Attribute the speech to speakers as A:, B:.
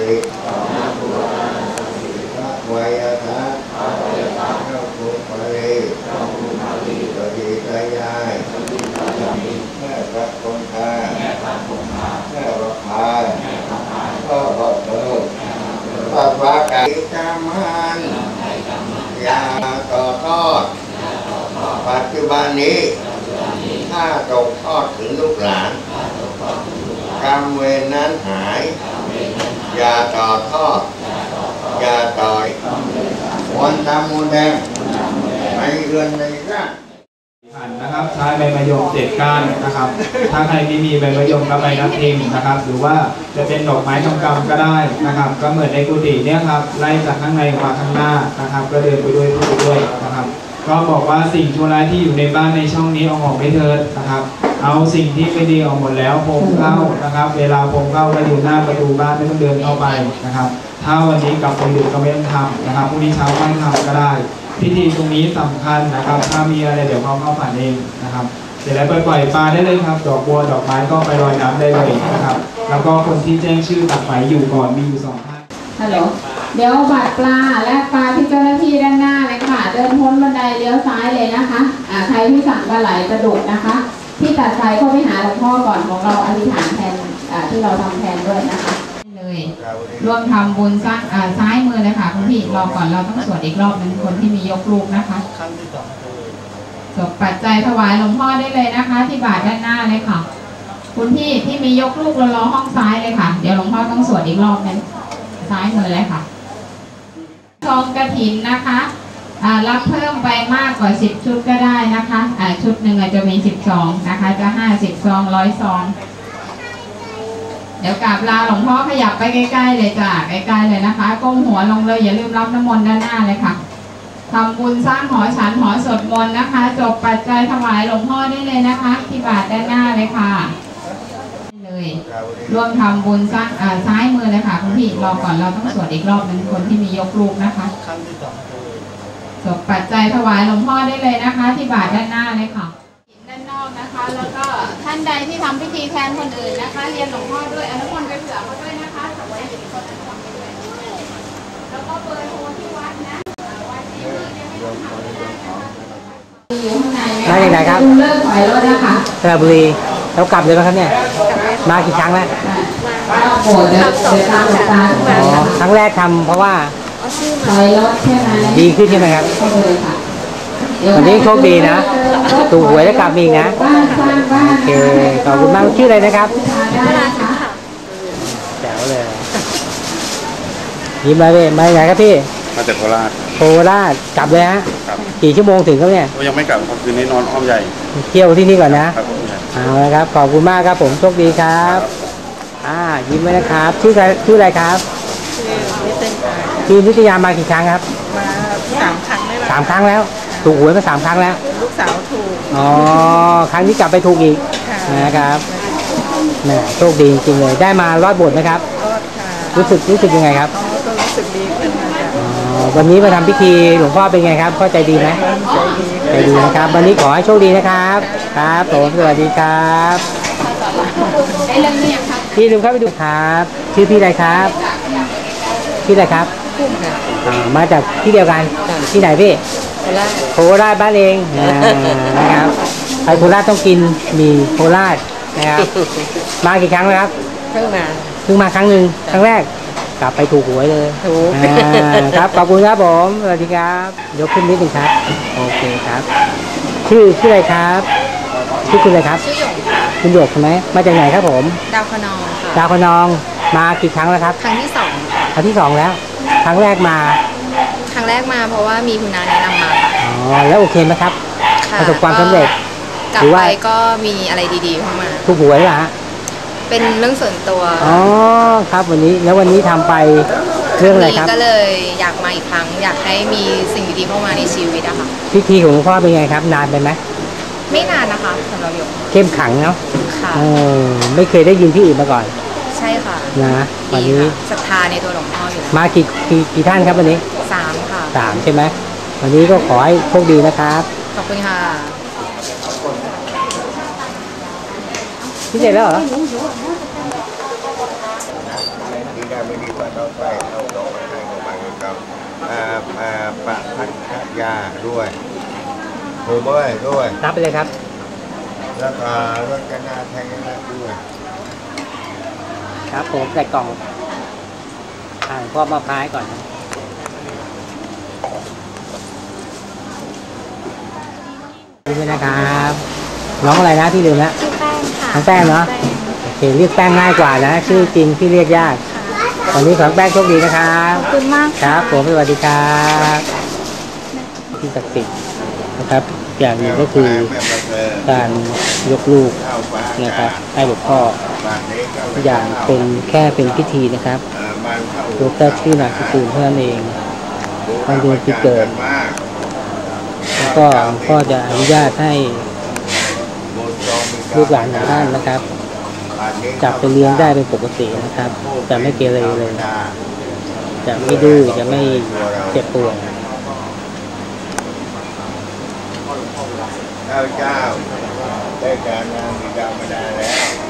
A: ติพระวายทัสเจ้าภูมิภรีสติตายายแม่พระคงคาแม่พระพายพ่อพระเถิดพระฟ้ากายกรรมันอย่าต่อทอดปัจจุบันนี้ถ้าตกทอดถึงลูกหลานกรรมเวรนั้นหายอย่าต่อทอดอย่าต่อยวันทำมูลแดงในเรือนในร่าง
B: นะครับใช้ใบมะยม7 ก้านนะครับถ้าใครไม่มีใบมะยมกับใบนับทิมนะครับหรือว่าจะเป็นดอกไม้ทองคำก็ได้นะครับก็เหมือนในกุฏิเนี่ยครับไล่จากข้างในมาข้างหน้านะครับก็เดินไปด้วยพูดไปด้วยนะครับก็บอกว่าสิ่งชั่วร้ายที่อยู่ในบ้านในช่องนี้เอาออกไม่เถิดนะครับเอาสิ่งที่ไม่ดีออกหมดแล้วพรมเข้านะครับเวลาพรมเข้าก็อยู่หน้าประตูบ้านไม่ต้องเดินเข้าไปนะครับถ้าวันนี้กลับไปดึกก็ไม่ต้องทำนะครับพรุ่งนี้เช้าค่อยทำก็ได้พิธีตรงนี้สำคัญนะครับถ้ามีอะไรเดี๋ยวเขาเข้าฝันเองนะครับเสร็จแล้วปล่อยปลาได้เลยครับดอกบัวดอกไม้ก็ไปลอยน้ำได้เลยนะครับแล้วก็คนที่แจ้งชื่อตักไหมอยู่ก่อนมีอยู่2 ท่าน
C: ฮัลโหลเดี๋ยวบัตรปลาและปลาที่เจ้าหน้าที่ด้านหน้าเลยค่ะเดินพ้นบันไดเลี้ยวซ้ายเลยนะคะใครที่สั่งปลาไหลกระดูกนะคะที่ตัดไฟเข้าไปหาหลวงพ่อก่อนของเราอธิษฐานแทนที่เราทำแทนด้วยนะคะเลยร่วมทำบุญซ้ายมือเลยค่ะคุณพี่รอก่อนเราต้องสวดอีกรอบนึงคนที่มียกลูกนะคะจบปัจจัยถวายหลวงพ่อได้เลยนะคะที่บาทด้านหน้าเลยค่ะคุณพี่ที่มียกลูกรอห้องซ้ายเลยค่ะเดี๋ยวหลวงพ่อต้องสวดอีกรอบนึงซ้ายมือเลยค่ะซองกฐินนะคะรับเพิ่มไปมากกว่า10 ชุดก็ได้นะคะชุดหนึ่งอาจจะมี10 ซองนะคะจะ50 ซอง100 ซองเดี๋ยวกราบลาหลวงพ่อขยับไปใกล้ๆเลยจ้ะใกล้ๆเลยนะคะก้มหัวลงเลยอย่าลืมรับน้ำมนต์ด้านหน้าเลยค่ะทำบุญสร้างหอฉันหอสวดมนต์นะคะจบปัจจัยถวายหลวงพ่อได้เลยนะคะที่บาทด้านหน้าเลยค่ะเลยร่วมทำบุญซ้ายมือเลยค่ะคุณพี่รอก่อนเราต้องสวดอีกรอบนึงคนที่มียกลูกนะคะจบปัจจัยถวายหลวงพ่อได้เลยนะคะที่บาทด้านหน้าเลยค่ะด้านนอกนะคะแล้วก็ท่านใดที่ทำพิธีแทนคนอื่นนะคะเรียนหลวงพ่อด้วยอนุโมทนาไปเผื่อเขาด้วยนะคะถวายอยู่คนนั้นทำไปด้วยแล้วก็เบอร์โทรที่วัดนะวัดที่นี่ยังไม่ต้องทำได้นะคะอยู่ข้างในมาจากไหนครับเลิกถอยรถนะคะ
D: สระบุรีแล้วกลับเลยไหมครับเนี่ยมากี่ครั้งแล้ว
C: โอ้เดี๋ยวตามตา
D: ครั้งแรกทำเพราะว่า
C: ถอยรถใช่ไหม
D: ดีขึ้นใช่ไหมครับวันนี้โชคดีนะถูกหวยแล้วกลับอีกนะโอเคขอบคุณมากชื่ออะไรนะครับแจ๋วเลยยิ้มมาเลยมาไหนครับพี่
E: มาจากโคราช
D: กลับเลยฮะกี่ชั่วโมงถึงครับเนี่ย
E: ยังไม่กลับครับคืนนี้นอนอ้อมใหญ่
D: เที่ยวที่นี่ก่อนนะเอาละครับขอบคุณมากครับผมโชคดีครับยิ้มไว้นะครับชื่ออะไรครับนิตยามากี่ครั้งครับ
F: มา3 ครั้งได้แล้ว
D: 3 ครั้งแล้วถูกหวยมา3 ครั้งแล้ว
F: ลูกสาวถูก
D: ครั้งนี้กลับไปถูกอีกนะครับโชคดีจริงๆเลยได้มารอดโบสถ์ไหมครับ
F: รอดค่ะ
D: รู้สึกยังไงครับ
F: ก็รู้สึกดีขึ้น
D: วันนี้มาทำพิธีหลวงพ่อเป็นไงครับเข้าใจดีไหมใจดีนะครับวันนี้ขอให้โชคดีนะครับครับผมสวัสดีครับ
C: ได้เรื่องนี้ยังครับ
D: พี่ลืมเข้าไปดูครับชื่อพี่อะไรครับพี่อะไรครับมาจากที่เดียวกันที่ไหนพี่โคราชบ้านเองนะครับไปโคราชต้องกินมีโคราชนะครับมากี่ครั้งแล้วครับเพิ่งมาครั้งหนึ่งครั้งแรกกลับไปถูกหวยเลยครับขอบคุณครับผมสวัสดีครับยกขึ้นนิดนึงครับโอเคครับชื่ออะไรครับชื่อคุณอะไรครับคุณหยกใช่ไหมมาจากไหนครับผม
F: ดาวคนอง
D: ดาวคนองมากี่ครั้งแล้วครับ
F: ครั้งที่2
D: ครั้งที่2แล้วครั้งแรกมา
F: เพราะว่ามีคุณน้าแนะนำมา
D: แล้วโอเคไหมครับประสบความสำเร็จ
F: กลับไปก็มีอะไรดีๆเข้ามา
D: ถูกหวยเหรอฮะ
F: เป็นเรื่องส่วนตัว
D: ครับวันนี้ทำไปเรื่องอะไรครับ
F: ก็เลยอยากมาอีกครั้งอยากให้มีสิ่งดีๆเข้ามาในชีวิตอะค่ะ
D: พิธีของหลวงพ่อเป็นไงครับนานไปไหม
F: ไม่นานนะคะสำหรับหยก
D: เข้มขังเนาะ
F: ค่ะ
D: ไม่เคยได้ยินที่อื่นมาก่อน
F: ใช่ค่ะ
D: นะวันนี้
F: ศรัทธาในตัวหลวงพ่ออยู่
D: มากี่ท่านครับวันนี้
F: 3ค่ะ
D: 3ใช่ไหมวันนี้ก็ขอให้โชคดีนะครับ
F: ขอบคุณค่ะ
D: พี่เสร็จแล้วเหรอ
A: ไม่ดีกว่าต้องไปเอาดอกไม้ให้ของมันกับปะพันธยาด้วยโอ้ยด้วย
D: รับไปเลยครับ
A: แล้วก็รถกันนาแทงกันด้วย
D: ครับผมใส่กล่องพ่อมาพายก่อนนะนี่นะครับ น้องอะไรนะพี่ลืมแล้ว
G: ชื่อแป้งค่ะ
D: น้องแป้งเนาะ โอเคเรียกแป้งง่ายกว่านะ ชื่อจริงพี่เรียกยากวันนี้ขอให้แป้งโชคดีนะครับ
G: ขอบคุณมาก
D: ครับผมสวัสดีครับที่ศักดิ์สิทธิ์นะครับ อย่างหนึ่งก็คือการยกลูกนะครับให้หลวงพ่ออย่างเป็นแค่เป็นพิธีนะครับยกแค่ชื่อนามสกุลเท่านั้นเองวันเดือนปีเกิดแล้วก็หลวงพ่อจะอนุญาตให้ลูกหลานของท่านนะครับ จับไปเลี้ยงได้เป็นปกตินะครับจะไม่เกเรเลยจะไม่ดื้อจะไม่เจ็บป่วย
A: เจ้าได้การงานมีดาวมาได้แล้ว